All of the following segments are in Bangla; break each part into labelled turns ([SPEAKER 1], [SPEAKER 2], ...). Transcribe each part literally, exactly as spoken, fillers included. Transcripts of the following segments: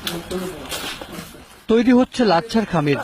[SPEAKER 1] তৈরি হচ্ছে লাচ্ছার খামির।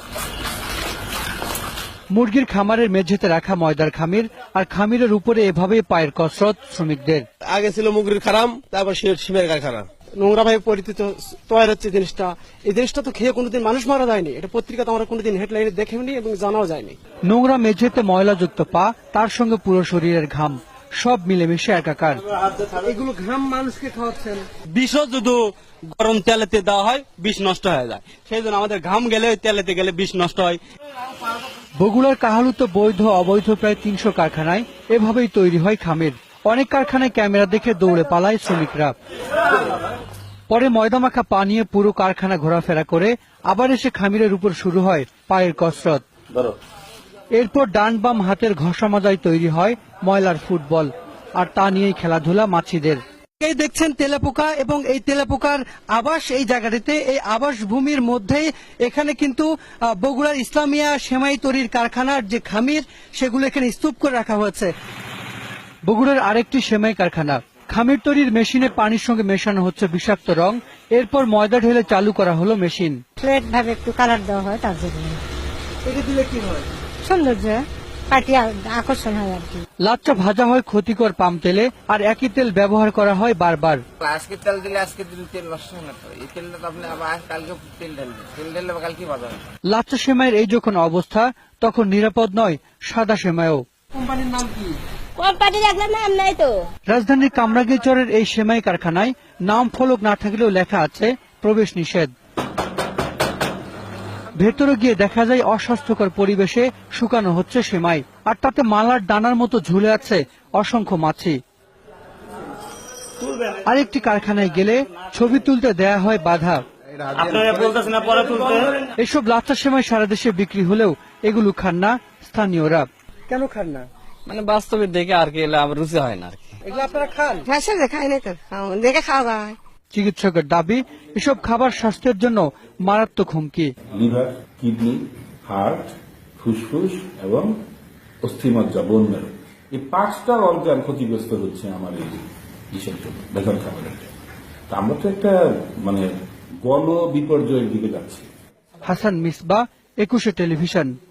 [SPEAKER 1] মুরগির খামারের মেঝেতে রাখা ময়দার খামির, আর খামিরের উপরে এভাবেই পায়ের কসরত শ্রমিকদের।
[SPEAKER 2] আগে ছিল মুরগির খারাম, তারপর সিমের কারখানা।
[SPEAKER 3] নোংরা ভাবে পরিচিত তৈরি হচ্ছে জিনিসটা। এই জিনিসটা তো খেয়ে কোনোদিন মানুষ মারা যায়নি, এটা পত্রিকাতে আমরা কোনোদিন হেডলাইনে দেখেনি এবং জানাও যায়নি।
[SPEAKER 1] নোংরা মেঝেতে ময়লাযুক্ত পা, তার সঙ্গে পুরো শরীরের ঘাম, সব মিলেমিশে একাকার।
[SPEAKER 3] এগুলো ঘাম মানুষকে খাওয়াচ্ছেন।
[SPEAKER 4] বিষও যদি গরম তেলেতে দেওয়া হয় বিষ নষ্ট হয়ে যায়, সেই জন্য আমাদের ঘাম গেলে তেলেতে গেলে বিষ নষ্ট হয়।
[SPEAKER 1] বগুড়ার কাহালুতে বৈধ অবৈধ প্রায় তিনশো কারখানায় এভাবেই তৈরি হয় খামির। অনেক কারখানায় ক্যামেরা দেখে দৌড়ে পালায় শ্রমিকরা। পরে ময়দামাখা পা নিয়ে পুরো কারখানা ঘোরাফেরা করে আবার এসে খামিরের উপর শুরু হয় পায়ের কসরত। এরপর ডান বাম হাতের ঘষা মাজায় তৈরি হয় ময়লার ফুটবল, আর তা নিয়েই খেলাধুলা মাছিদের। এই দেখছেন তেলাপোকা, এবং এই তেলাপোকার আবাস এই জায়গাটিতে, এই আবাস ভূমির মধ্যেই এখানে কিন্তু বগুড়ার ইসলামিয়া সেমাই তৈরির কারখানার যে খামির, সেগুলো এখানে স্তূপ করে রাখা হয়েছে। বগুড়ার আরেকটি সেমাই কারখানা, খামির তৈরির মেশিনে পানির সঙ্গে মেশানো হচ্ছে বিষাক্ত রং। এরপর ময়দা ঢেলে চালু করা হলো মেশিন।
[SPEAKER 5] ফ্ল্যাট ভাবে একটু কালার দেওয়া হয়, তার জন্য
[SPEAKER 3] এটা দিলে কি হয়?
[SPEAKER 5] সৌন্দর্য পাটি আকর্ষণ হয় আর কি।
[SPEAKER 1] লাচ্চা ভাজা হয় ক্ষতিকর পাম তেলে, আর একই তেল ব্যবহার করা হয় বারবার।
[SPEAKER 6] আজকে তেল দিলে আজকে দিন তেল নষ্ট হয় না, তো এই তেলটা তো আপনি আবার কালকে তেল ঢালবেন, তেল ঢাললে কালকে ভাজা হবে।
[SPEAKER 1] লাচ্চা সেমাইয়ের এই যখন অবস্থা, তখন নিরাপদ নয় সাদা সেমাইও।
[SPEAKER 3] কোম্পানির নাম কি?
[SPEAKER 5] কোম্পানি রাখলে নাম নাই তো।
[SPEAKER 1] রাজধানীর কামরাঙ্গীরচরের এই সেমাই কারখানায় নাম ফলক না থাকলেও লেখা আছে প্রবেশ নিষেধ। ভেতরে গিয়ে দেখা যায় অস্বাস্থ্যকর পরিবেশে শুকানো হচ্ছে সেমাই, আর তাতে মালার দানার মতো ঝুলে আছে অসংখ্য মাছি। আরেকটি কারখানায় গেলে ছবি তুলতে দেয়া হয় বাধা। এসব লাচ্চা সেমাই সারা দেশে বিক্রি হলেও এগুলো খান না স্থানীয়রা।
[SPEAKER 3] কেন খান না?
[SPEAKER 4] মানে বাস্তবে দেখে আর কি আমার রুচি হয় না আর কি।
[SPEAKER 3] এগুলো আপনারা খান?
[SPEAKER 5] খাই না তো, দেখে খাওয়া যায়।
[SPEAKER 1] চিকিৎসকের দাবি, এসব খাবার স্বাস্থ্যের জন্য মারাত্মক হুমকি।
[SPEAKER 7] লিভার, কিডনি, হার্ট, ফুসফুস এবং অস্থিমজ্জা, বোন মেরু, এই পাঁচটা অর্গান ক্ষতিগ্রস্ত হচ্ছে আমার এই বিষের জন্য, বেতন খাবারের জন্য। তা আমরা তো একটা মানে গণ বিপর্যয়ের দিকে যাচ্ছি।
[SPEAKER 1] হাসান মিসবাহ, একুশে টেলিভিশন।